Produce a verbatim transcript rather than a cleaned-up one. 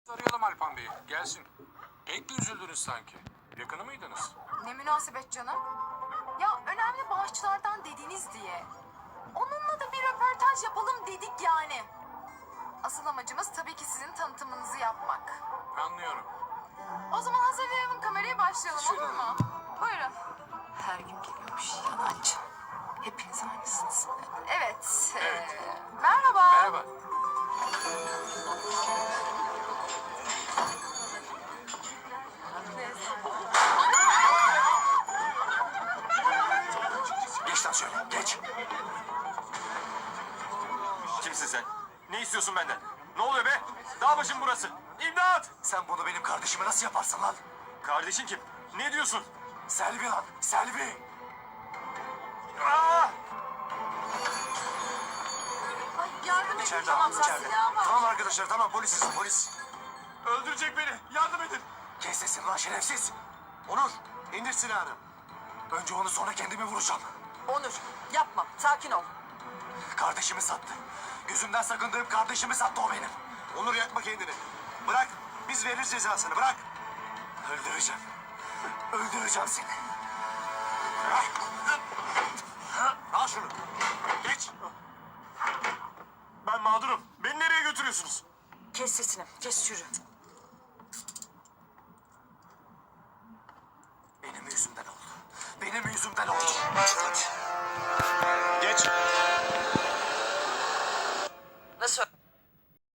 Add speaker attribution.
Speaker 1: Arayalım Alpan Bey'i. Gelsin. Pek de üzüldünüz sanki. Yakını mıydınız?
Speaker 2: Ne münasebet canım. Ya önemli bağışçılardan dediniz diye. Onunla da bir röportaj yapalım dedik yani. Asıl amacımız tabii ki sizin tanıtımınızı yapmak.
Speaker 1: Anlıyorum.
Speaker 2: O zaman hazırlayalım kamerayı, başlayalım, olur mu? Buyurun.
Speaker 3: Her gün geliyormuş yalancı. Hepiniz aynısınız.
Speaker 2: Evet. e,
Speaker 1: Evet.
Speaker 2: merhaba.
Speaker 1: Merhaba.
Speaker 4: Geç lan şöyle, geç.
Speaker 5: Kimsin sen? Ne istiyorsun benden? Ne oluyor be? Dağ başım burası. İmdat!
Speaker 4: Sen bunu benim kardeşime nasıl yaparsın lan?
Speaker 5: Kardeşin kim? Ne diyorsun?
Speaker 4: Selvi lan, Selvi.
Speaker 5: Aa!
Speaker 2: Yardım edin.
Speaker 4: İçeride,
Speaker 2: Tamam,
Speaker 4: içeride.
Speaker 2: silah var.
Speaker 4: Tamam arkadaşlar, tamam polisiz, polis.
Speaker 5: Öldürecek beni. Yardım edin.
Speaker 4: Kes sesini lan şerefsiz. Onur, indir silahını. Önce onu sonra kendimi vuracağım.
Speaker 3: Onur yapma, sakin ol.
Speaker 4: Kardeşimi sattı. Gözümden sakındığım kardeşimi sattı o benim. Onur yakma kendini. Bırak, biz veririz cezasını, bırak. Öldüreceğim. Öldüreceğim seni. Al şunu. Geç.
Speaker 5: Ben mağdurum. Beni nereye götürüyorsunuz?
Speaker 3: Kes sesini, kes yürü.